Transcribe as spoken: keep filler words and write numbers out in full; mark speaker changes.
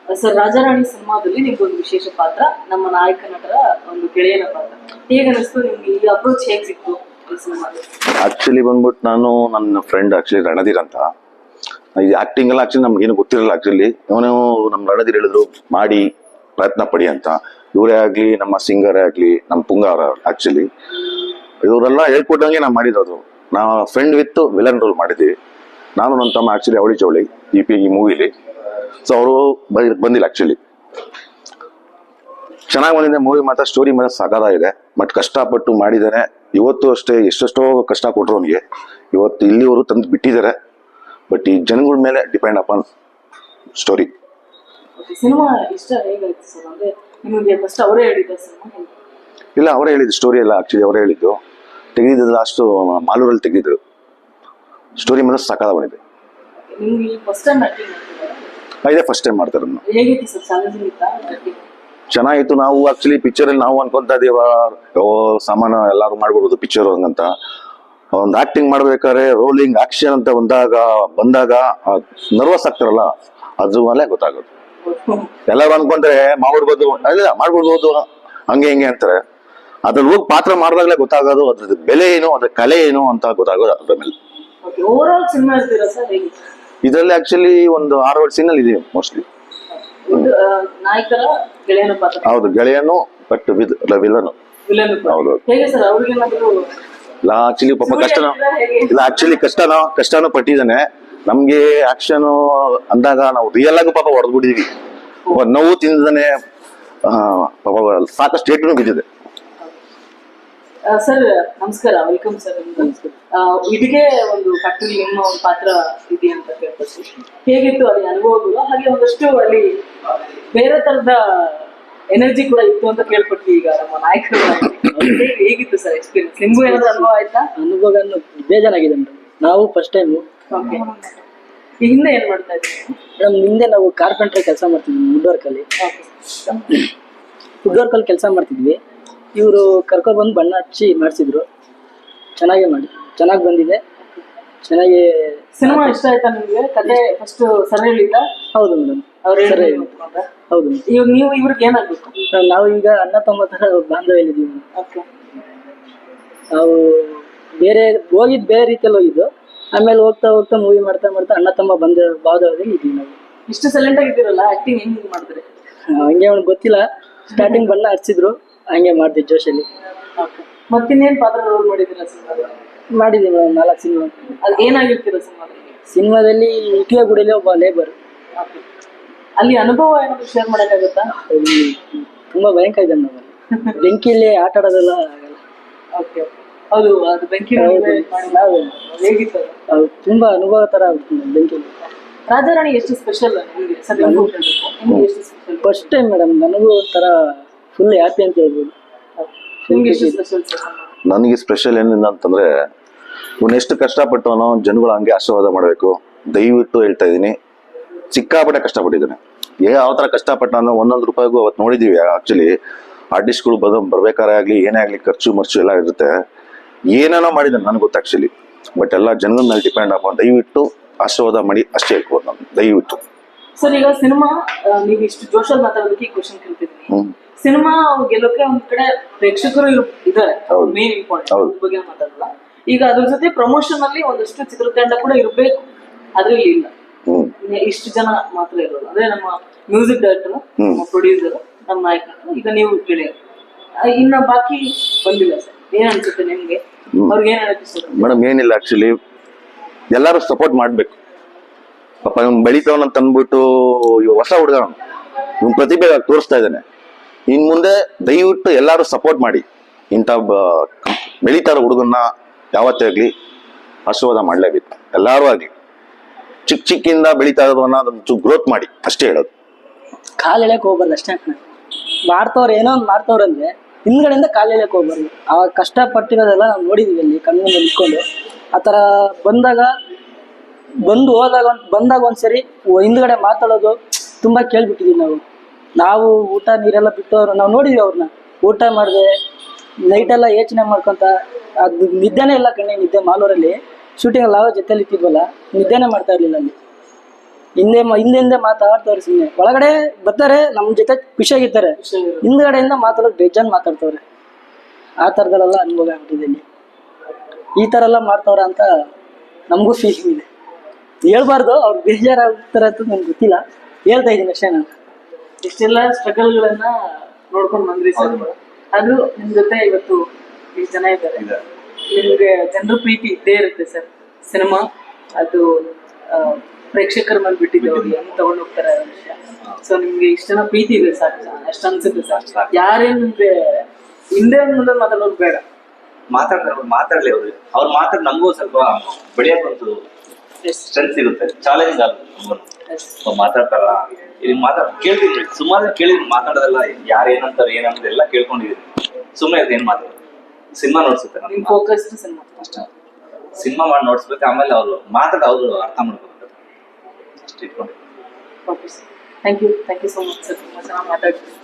Speaker 1: Sir ರಾಜಾರಾಣಿ ಸಿನಿಮಾದಲ್ಲಿ ನಿಮ್ಗೊಂದು ವಿಶೇಷ ಪಾತ್ರ, ನಮ್ಮ ನಾಯಕ ನಟರ ಒಂದು ಗೆಳೆಯನ ಪಾತ್ರ. ಹೇಗೆ ಅನಿಸ್ತು ನಿಮ್ಗೆ? ಈ ಅಪ್ರೋಚ್ ಹೇಗೆ ಸಿಕ್ತು ಈ ಸಿನಿಮಾದಲ್ಲಿ?
Speaker 2: ಆಕ್ಚುಲಿ ಬಂದ್ಬಿಟ್ಟು ನಾನು ನನ್ನ ಫ್ರೆಂಡ್ ಆಕ್ಚುಲಿ ರಣಧೀರ್ ಅಂತ, ಈ ಆಕ್ಟಿಂಗ್ ಎಲ್ಲ ಆಕ್ಚುಲಿ ನಮ್ಗೆ ಏನು ಗೊತ್ತಿರಲ್ಲ. ಆಕ್ಚುಲಿ ಅವನು ನಮ್ಮ ರಣಧೀರ್ ಹೇಳಿದ್ರು ಮಾಡಿ ಪ್ರಯತ್ನ ಪಡಿ ಅಂತ. ಇವರೇ ಆಗ್ಲಿ, ನಮ್ಮ ಸಿಂಗರೇ ಆಗ್ಲಿ, ನಮ್ಮ ಪುಂಗ ಅವರ ಆಕ್ಚುಲಿ ಇವರೆಲ್ಲ ಹೇಳ್ಕೊಟ್ಟಂಗೆ ನಾವು ಮಾಡಿರೋದು. ನಾವು ಫ್ರೆಂಡ್ ವಿತ್ ವಿಲನ್ ರೋಲ್ ಮಾಡಿದ್ವಿ. ನಾನು ನನ್ನ ತಮ್ಮ ಆಕ್ಚುಲಿ ಅವಳಿ ಚೌಳಿ ಈ ಪಿ ಈ ಮೂವಿಲಿ. ಸೊ ಅವರು ಬಂದಿಲ್ಲ ಆಕ್ಚುಲಿ. ಚೆನ್ನಾಗಿ ಬಂದಿದೆ ಮೂವಿ, ಮಾತ್ರ ಸ್ಟೋರಿ ಮಾತ್ರ ಸಗದಾಗಿದೆ. ಬಟ್ ಕಷ್ಟಪಟ್ಟು ಮಾಡಿದ್ದಾನೆ. ಇವತ್ತು ಅಷ್ಟೇ ಎಷ್ಟೆಷ್ಟೋ ಕಷ್ಟ ಕೊಟ್ಟರು ಅವನಿಗೆ, ಇವತ್ತು ಇಲ್ಲಿವರು ತಂದು ಬಿಟ್ಟಿದ್ದಾರೆ. ಬಟ್ ಈ ಜನಗಳ ಮೇಲೆ ಡಿಪೆಂಡ್ ಅಪಾನ್ ಸ್ಟೋರಿ.
Speaker 1: ಸಿನಿಮಾ ಇಷ್ಟ ಹೇಗಾಯ್ತು ಸರ್? ಅಂದ್ರೆ ನಿಮಗೆ ಫಸ್ಟ್ ಅವರೇ ಹೇಳಿದ್ದ ಸಿನಿಮಾ?
Speaker 2: ಇಲ್ಲ, ಅವರೇ ಹೇಳಿದ್ದು ಸ್ಟೋರಿ ಎಲ್ಲ. ಆಕ್ಚುಲಿ ಅವರೇ ಹೇಳಿದ್ದು. ತೆಗೆದಿದ್ದು ಲಾಸ್ಟ್ ಮಾಲೂರಲ್ಲಿ ತೆಗೆದಿದ್ರು. ಸ್ಟೋರಿ ಮಾತ್ರ ಸಕಾಲ ಬಂದಿದೆ.
Speaker 1: ನಿಮ್ಗೆ ಫಸ್ಟ್ ಟೈಮ್ ಆಕ್ಟಿಂಗ್ ಮಾಡ್ತಿದ್ದೀರಾ?
Speaker 2: ಇದೇ ಫಸ್ಟ್ ಟೈಮ್ ಮಾಡ್ತಾರೆ.
Speaker 1: ಹೇಗಿತ್ತು ಸರ್? ಚಾಲೆಂಜಿಂಗ್ ಇತ್ತಾ ಆಕ್ಟಿಂಗ್?
Speaker 2: ಚೆನ್ನಾಗಿತ್ತು. ನಾವು ಆಕ್ಚುಲಿ ಪಿಕ್ಚರ್ ಅಲ್ಲಿ ನಾವು ಅನ್ಕೊಂತ ಇದೀವ ಸಾಮಾನ್ಯ ಎಲ್ಲಾರು ಮಾಡ್ಬಿಡೋದು ಪಿಕ್ಚರ್ ಹಂಗಂತ. ಒಂದು ಆಕ್ಟಿಂಗ್ ಮಾಡ್ಬೇಕಾದ್ರೆ ರೋಲಿಂಗ್ ಆಕ್ಷನ್ ಅಂತ ಬಂದಾಗ ಬಂದಾಗ ನರ್ವಸ್ ಆಗ್ತಾರಲ್ಲ, ಅದ್ರ ಮೇಲೆ ಗೊತ್ತಾಗೋದು. ಎಲ್ಲರೂ ಅನ್ಕೊಂತಾರೆ ಮಾಡ್ಬಿಡ್ಬೋದು, ಇಲ್ಲ ಮಾಡ್ಬಿಡ್ಬೋದು ಹಂಗೆ ಹಿಂಗೆ ಅಂತಾರೆ. ಅದ್ರಲ್ಲಿ ಹೋಗಿ ಪಾತ್ರ ಮಾಡಿದಾಗಲೇ ಗೊತ್ತಾಗೋದು ಅದ್ರದ್ದು ಬೆಲೆ ಏನು, ಅದ್ರ ಕಲೆ ಏನು ಅಂತ ಗೊತ್ತಾಗೋದು ಅದ್ರ ಮೇಲೆ. ಇದರಲ್ಲಿ ಆಕ್ಚುಲಿ ಒಂದು ಆರು ಏಳು ಸೀನ್ ಅಲ್ಲಿ ಇದೀವಿ ಮೋಸ್ಟ್ಲಿ.
Speaker 1: ನಾಯಕರ ಗೆಳೆಯನ ಪಾತ್ರ.
Speaker 2: ಹೌದು, ಗೆಳೆಯನು ಬಟ್ ವಿದ್ ವಿಲನ್. ಹೌದು. ಇಲ್ಲ ಆಕ್ಚುಲಿ ಪಾಪ ಕಷ್ಟನೋ ಇಲ್ಲ ಆಕ್ಚುಲಿ ಕಷ್ಟನೋ ಕಷ್ಟನೂ ಪಟ್ಟಿದ್ದಾನೆ. ನಮ್ಗೆ ಆಕ್ಷನ್ ಅಂದಾಗ ನಾವು ರಿಯಲ್ ಆಗಿ ಪಾಪ ಹೊಡೆದ್ಬಿಟ್ಟಿದೀವಿ. ನೋವು ತಿಂದಾನೆ ಪಾಪ ಸಾಕಷ್ಟು ಏಟು ಬಿದ್ದಿದೆ.
Speaker 1: ಸರ್ ನಮಸ್ಕಾರ, ವೆಲ್ಕಮ್ ಸರ್. ಇದಕ್ಕೆ ಒಂದು ಫ್ಯಾಕ್ಟರಿ ನಿಮ್ಮ ಒಂದು ಪಾತ್ರ ಇದೆ ಅಂತ ಕೇಳ್ಬೋದು. ಹೇಗಿತ್ತು ಅಲ್ಲಿ ಅನುಭವಗಳು? ಹಾಗೆ ಒಂದಷ್ಟು ಅಲ್ಲಿ ಬೇರೆ ತರದ ಎನರ್ಜಿ ಕೂಡ ಇತ್ತು ಅಂತ ಕೇಳ್ಪಟ್ಟಿ ಈಗ ನಮ್ಮ ನಾಯಕರು. ಹೇಗಿತ್ತು ಸರ್ ಎಕ್ಸ್ಪೀರಿಯನ್ಸ್? ನಿಮ್ಗೂ ಏನಾದ್ರು ಅನುಭವ ಆಯ್ತಾ?
Speaker 3: ಅನುಭವ ಬೇಜಾರಾಗಿದೆ ಮೇಡಮ್. ನಾವು ಫಸ್ಟ್ ಟೈಮ್.
Speaker 1: ಈ ಹಿಂದೆ ಏನ್ ಮಾಡ್ತಾ ಇದ್ವಿ
Speaker 3: ಮೇಡಮ್? ಹಿಂದೆ ನಾವು ಕಾರ್ಪೆಂಟ್ರಿ ಕೆಲಸ ಮಾಡ್ತಿದ್ವಿ ವುಡ್ ವರ್ಕ್ ಅಲ್ಲಿ. ವುಡ್ ವರ್ಕ್ ಅಲ್ಲಿ ಕೆಲಸ ಮಾಡ್ತಿದ್ವಿ. ಇವರು ಕರ್ಕೊಂಡು ಬಂದು ಬಣ್ಣ ಹಚ್ಚಿ ಮಾಡಿಸಿದ್ರು. ಚೆನ್ನಾಗೇ ಮಾಡಿ ಚೆನ್ನಾಗಿ ಬಂದಿದೆ. ಚೆನ್ನಾಗಿ
Speaker 1: ಸಿನಿಮಾ ಇಷ್ಟ ಆಯ್ತಾ ನಿಮ್ಗೆ? ಕತೆ ಫಸ್ಟ್ ಸರ್ ಹೇಳಿದ್ದ?
Speaker 3: ಹೌದು ಮೇಡಮ್,
Speaker 1: ಅವ್ರು
Speaker 3: ಸರಿ. ಹೌದು.
Speaker 1: ಇವಾಗ ನೀವು ಇವ್ರಿಗೆ ಏನಾಗ್ಬೇಕು?
Speaker 3: ನಾವು ಈಗ ಅಣ್ಣ ತಮ್ಮ ತರ ಬಾಂಧವ್ಯಲ್ಲಿದ್ದೀವಿ. ನಾವು ಬೇರೆ ಹೋಗಿದ್ದು ಬೇರೆ ರೀತಿಯಲ್ಲಿ ಹೋಗಿದ್ದು, ಆಮೇಲೆ ಹೋಗ್ತಾ ಹೋಗ್ತಾ ಮೂವಿ ಮಾಡ್ತಾ ಮಾಡ್ತಾ ಅಣ್ಣ ತಮ್ಮ ಬಂದ ಬಾಂಧವ್ಯದಲ್ಲಿ ಇದ್ದೀವಿ ನಾವು.
Speaker 1: ಇಷ್ಟು ಸೈಲೆಂಟ್ ಆಗಿದ್ದೀರಲ್ಲ, ಆಕ್ಟಿಂಗ್ ಹೆಂಗ್ ಮಾಡಿದ್ರೆ?
Speaker 3: ಹಂಗೆ ಅವ್ನಿಗೆ ಗೊತ್ತಿಲ್ಲ, ಸ್ಟಾರ್ಟಿಂಗ್ ಬಣ್ಣ ಹಚ್ಚಿದ್ರು ಹಂಗೆ ಮಾಡ್ತೀವಿ ಜೋಶಲ್ಲಿ.
Speaker 1: ಮತ್ತಿನ್ನೇನ್ ಪಾತ್ರ ರೋಲ್ ಮಾಡಿದ್ದೀರಾ ಸಿನಿಮಾದಲ್ಲಿ?
Speaker 3: ಮಾಡಿದ್ದೀವಿ ಮೇಡಮ್, ನಾಲ್ಕು ಸಿನಿಮಾ.
Speaker 1: ಅದು ಏನಾಗಿರ್ತೀರ ಸಿನಿಮಾದಲ್ಲಿ?
Speaker 3: ಸಿನಿಮಾದಲ್ಲಿ ಇಟ್ಲಿಯ ಗುಡಿಲಿ ಒಬ್ಬ ಲೇಬರ್.
Speaker 1: ಅಲ್ಲಿ ಅನುಭವ ಏನಾದ್ರು ಶೇರ್ ಮಾಡೋಕ್ಕಾಗುತ್ತಾ?
Speaker 3: ತುಂಬಾ ಭಯಂಕರ ಇದೆ ನಮ್ಮಲ್ಲಿ. ಬೆಂಕಿಯಲ್ಲಿ ಆಟ ಆಡೋದೆಲ್ಲ ಆಗಲ್ಲ.
Speaker 1: ಓಕೆ, ಹೌದು. ಅದು ಬೆಂಕಿ ಹೇಗಿತ್ತು?
Speaker 3: ಅದು ತುಂಬಾ ಅನುಭವ ತರ ಆಗುತ್ತೆ ಬೆಂಕಿಯಲ್ಲಿ.
Speaker 1: ರಾಜಾರಾಣಿ ಎಷ್ಟು ಸ್ಪೆಷಲ್ ನಿಮಗೆ? ಎಷ್ಟು ಸ್ಪೆಷಲ್?
Speaker 3: ಫಸ್ಟ್ ಟೈಮ್ ಮೇಡಮ್, ನನಗೂ ಒಂಥರ ಫುಲ್ ಹ್ಯಾಪಿ ಅಂತ ಹೇಳ್ಬೋದು.
Speaker 1: ನಿಮ್ಗೆ ಎಷ್ಟು ಸ್ಪೆಷಲ್?
Speaker 2: ನನಗೆ ಸ್ಪೆಷಲ್ ಏನಿಲ್ಲ ಅಂತಂದ್ರೆ, ಇವನು ಎಷ್ಟು ಕಷ್ಟಪಟ್ಟವನೋ ಜನಗಳು ಹಂಗೆ ಆಶೀರ್ವಾದ ಮಾಡಬೇಕು. ದಯವಿಟ್ಟು ಹೇಳ್ತಾ ಇದ್ದೀನಿ, ಸಿಕ್ಕಾಪಟ್ಟೆ ಕಷ್ಟಪಟ್ಟಿದ್ದಾನೆ. ಯಾವ ಥರ ಕಷ್ಟಪಟ್ಟ ಅಂದ್ರೆ ಒಂದೊಂದು ರೂಪಾಯಿಗೂ ಅವತ್ತು ನೋಡಿದ್ದೀವಿ. ಆ್ಯಕ್ಚುಲಿ ಆರ್ಟಿಸ್ಟ್ಗಳು ಬರೋ ಬರ್ಬೇಕಾರೆ ಆಗಲಿ ಏನೇ ಆಗಲಿ ಖರ್ಚು ಮರ್ಚು ಎಲ್ಲ ಇರುತ್ತೆ. ಏನೇನೋ ಮಾಡಿದ್ದಾನೆ ನನಗೆ ಗೊತ್ತು ಆ್ಯಕ್ಚುಲಿ. ಬಟ್ ಎಲ್ಲ ಜನಗಳ ಮೇಲೆ ಡಿಪೆಂಡ್ ಆಗ ದಯವಿಟ್ಟು ಆಶೀರ್ವಾದ ಮಾಡಿ ಅಷ್ಟೇ ಹೇಳ್ಬೋದು ನಾನು, ದಯವಿಟ್ಟು.
Speaker 1: ಸರ್ ಈಗ ಸಿನಿಮಾ ನೀವು ಇಷ್ಟು ಜೋಶಲ್ಲಿ ಮಾತಾಡೋದಕ್ಕೆ ಈ ಕ್ವಶನ್ ಕೇಳ್ತಿದ್ದೀನಿ. ಸಿನಿಮಾ ಗೆಲ್ಲೋಕೆ ಒಂದ್ ಕಡೆ ಪ್ರೇಕ್ಷಕರು ಇದ್ದಾರೆ, ಮೇನ್ ಇಂಪಾರ್ಟೆಂಟ್ ಬಗ್ಗೆ ಮಾತಾಡಲ್ಲ. ಈಗ ಅದ್ರ ಜೊತೆ ಪ್ರಮೋಷನ್ ಅಲ್ಲಿ ಒಂದಷ್ಟು ಚಿತ್ರತಂಡ ಕೂಡ ಇರಬೇಕು, ಅದ್ರಲ್ಲಿ ಇಲ್ಲ. ಇಷ್ಟು ಜನ ಮಾತ್ರ ಇರೋದು. ಅಂದ್ರೆ ನಮ್ಮ ಮ್ಯೂಸಿಕ್ ಡೈರೆಕ್ಟರ್, ನಮ್ಮ ಪ್ರೊಡ್ಯೂಸರ್, ನಮ್ಮ ನಾಯಕರು, ಈಗ ನೀವು ಗೆಳೆಯರು, ಇನ್ನ ಬಾಕಿ ಬಂದಿಲ್ಲ. ಸರ್ ಏನ್ ಅನ್ಸುತ್ತೆ ನಿಮ್ಗೆ? ಅವ್ರಿಗೆ ಏನ್ ಅನಿಸುತ್ತೆ?
Speaker 2: ಮೇಡಮ್ ಏನಿಲ್ಲ, ಆಕ್ಚುಲಿ ಎಲ್ಲರೂ ಸಪೋರ್ಟ್ ಮಾಡ್ಬೇಕು. ಪಾಪ ಇವ್ನು ಬೆಳಿತಾವನಂತ ಅಂದ್ಬಿಟ್ಟು ಇವ್ ಹೊಸ ಹುಡುಗ, ಇವ್ನ ಪ್ರತಿಭೆ ತೋರಿಸ್ತಾ ಇದ್ದಾನೆ. ಇನ್ ಮುಂದೆ ದಯವಿಟ್ಟು ಎಲ್ಲರೂ ಸಪೋರ್ಟ್ ಮಾಡಿ. ಇಂಥ ಬೆಳೀತಾ ಇರೋ ಹುಡುಗನ್ನ ಯಾವತ್ತೇ ಆಗ್ಲಿ ಆಶೀರ್ವಾದ ಮಾಡ್ಲೇಬೇಕು. ಎಲ್ಲಾರು ಆಗ್ಲಿ ಚಿಕ್ಕ ಚಿಕ್ಕಿಂದ ಬೆಳೀತಾ ಇರೋದನ್ನ ಅದನ್ನ ಗ್ರೋತ್ ಮಾಡಿ ಅಷ್ಟೇ ಹೇಳೋದು.
Speaker 3: ಕಾಲ್ ಎಳೆಯಕ್ ಹೋಗ್ಬಾರ್ದು ಅಷ್ಟೇ. ಮಾಡ್ತವ್ರ ಏನೋ ಒಂದು ಮಾಡ್ತವ್ರಂದ್ರೆ ಹಿಂದ್ಗಡೆಯಿಂದ ಕಾಲ್ ಎಳೆಯಕ್ ಹೋಗ್ಬಾರ್ದು. ಆ ಕಷ್ಟ ಪಟ್ಟಿರೋದೆಲ್ಲ ನಾವು ನೋಡಿದೀವಿ ಅಲ್ಲಿ ಕಣ್ಣು ಮುಂದೆ ನಿಂತ್ಕೊಂಡು. ಆ ಥರ ಬಂದಾಗ ಬಂದು ಹೋದಾಗ ಬಂದಾಗ ಒಂದ್ಸರಿ ಹಿಂದ್ಗಡೆ ಮಾತಾಡೋದು ತುಂಬಾ ಕೇಳ್ಬಿಟ್ಟಿದೀವಿ ನಾವು. ನಾವು ಊಟ ನೀರೆಲ್ಲ ಬಿಟ್ಟವ್ರು ನಾವು ನೋಡಿದ್ವಿ. ಅವ್ರನ್ನ ಊಟ ಮಾಡಿದೆ ನೈಟೆಲ್ಲ ಯೋಚನೆ ಮಾಡ್ಕೊಂತ, ಅದು ನಿದ್ದೆನೇ ಇಲ್ಲ ಕಣ್ಣೆ ನಿದ್ದೆ. ಮಾಲೂರಲ್ಲಿ ಶೂಟಿಂಗ್ ಅಲ್ಲಿ ನಾವು ಜೊತೆಲಿ ಇಟ್ಟಿದ್ವಲ್ಲ, ನಿದ್ದೆನೇ ಮಾಡ್ತಾ ಇರ್ಲಿಲ್ಲ ಅಲ್ಲಿ. ಹಿಂದೆ ಮ- ಹಿಂದೆ ಹಿಂದೆ ಮಾತಾಡ್ತವ್ರೆ ಸುಮ್ಮನೆ. ಒಳಗಡೆ ಬರ್ತಾರೆ ನಮ್ಮ ಜೊತೆ ಖುಷಿಯಾಗಿರ್ತಾರೆ, ಹಿಂದ್ಗಡೆಯಿಂದ ಮಾತಾಡೋದು ಬೇಜಾನ್ ಮಾತಾಡ್ತವ್ರೆ. ಆ ಥರದಲ್ಲೆಲ್ಲ ಅನುಭವ ಆಗ್ಬಿಟ್ಟಿದೆ ಇಲ್ಲಿ. ಈ ಥರ ಎಲ್ಲ ಮಾಡ್ತವ್ರ ಅಂತ ನಮಗೂ ಫೀಲಿಂಗ್ ಇದೆ. ಹೇಳ್ಬಾರ್ದು, ಅವ್ರು ಬೇಜಾರಾಗ್ತಾರೆ ಅಂತ ನನ್ಗೆ ಗೊತ್ತಿಲ್ಲ, ಹೇಳ್ತಾ ಇದ್ದೀನಿ ಅಷ್ಟೇ ನಾನು.
Speaker 1: ಇಷ್ಟೆಲ್ಲ ಸ್ಟ್ರಗಲ್ಗಳನ್ನ ನೋಡ್ಕೊಂಡು ಬಂದ್ರಿ ಸರ್. ಅದು ನಿಮ್ ಜೊತೆ ಇವತ್ತು ಇಷ್ಟು ಜನ ಇದ್ದಾರೆ, ನಿಮ್ಗೆ ಜನರ ಪ್ರೀತಿ ಇದ್ದೇ ಇರುತ್ತೆ ಸರ್. ಸಿನಿಮಾ ಅದು ಆ, ಪ್ರೇಕ್ಷಕರ ಮೇಲೆ ಬಿಟ್ಟಿದೆ, ಅವ್ರು ಹೆಂಗ್ ತಗೊಂಡ್ ಹೋಗ್ತಾರೆ ಅನ್ನೋ ವಿಷಯ. ಸೊ ನಿಮ್ಗೆ ಇಷ್ಟ ಜನ ಪ್ರೀತಿ ಇದೆ ಸರ್, ಅಷ್ಟು ಅನ್ಸುತ್ತೆ ಸರ್. ಯಾರೇನ್ ನಿಮ್ಗೆ ಹಿಂದೆ ಮುಂದೆ ಮಾತಾಡೋದು ಬೇಡ,
Speaker 4: ಮಾತಾಡ್ತಾರೆ ಅವ್ರು, ಮಾತಾಡ್ಲಿ ಅವ್ರು ಅವ್ರು ಮಾತಾಡ್ ನಮಗೂ ಸ್ವಲ್ಪ ಬೆಳೆಯಕ್ ಒಂದು ಸ್ಟ್ರೆಂತ್ ಸಿಗುತ್ತೆ, ಚಾಲೆಂಜ್ ಆಗುತ್ತೆ. ಮಾತಾಡ್ತಾರ ಇಲ್ಲಿ ಮಾತಾಡ್ ಕೇಳ್ತೀನಿ, ಸುಮಾರು ಕೇಳಿದ್ರಿ ಮಾತಾಡೋದೆಲ್ಲ, ಯಾರು ಏನಂತಾರೆ ಏನಂದ್ರೆ ಎಲ್ಲ ಕೇಳ್ಕೊಂಡಿದೀನಿ. ಸುಮ್ಮನೆ ಏನ್ ಮಾತಾಡೋದು, ಸಿನಿಮಾ ನೋಡ್ಸುತ್ತೆ,
Speaker 1: ನಿಮ್ ಫೋಕಸ್ ಸಿನಿಮಾ ಅಷ್ಟೇ.
Speaker 4: ಸಿನಿಮಾ ಮಾಡಿ ನೋಡ್ಸ್ಬೇಕು, ಆಮೇಲೆ ಅವ್ರು ಮಾತಾಡ ಅವ್ರು ಅರ್ಥ ಮಾಡ್ಕೋಬೇಕು ಅಷ್ಟು ಇಟ್ಕೊಂಡು.
Speaker 1: Okay sir, thank you thank you so much sir, ತುಂಬ ಚೆನ್ನಾಗಿ ಮಾತಾಡ್ತೀವಿ.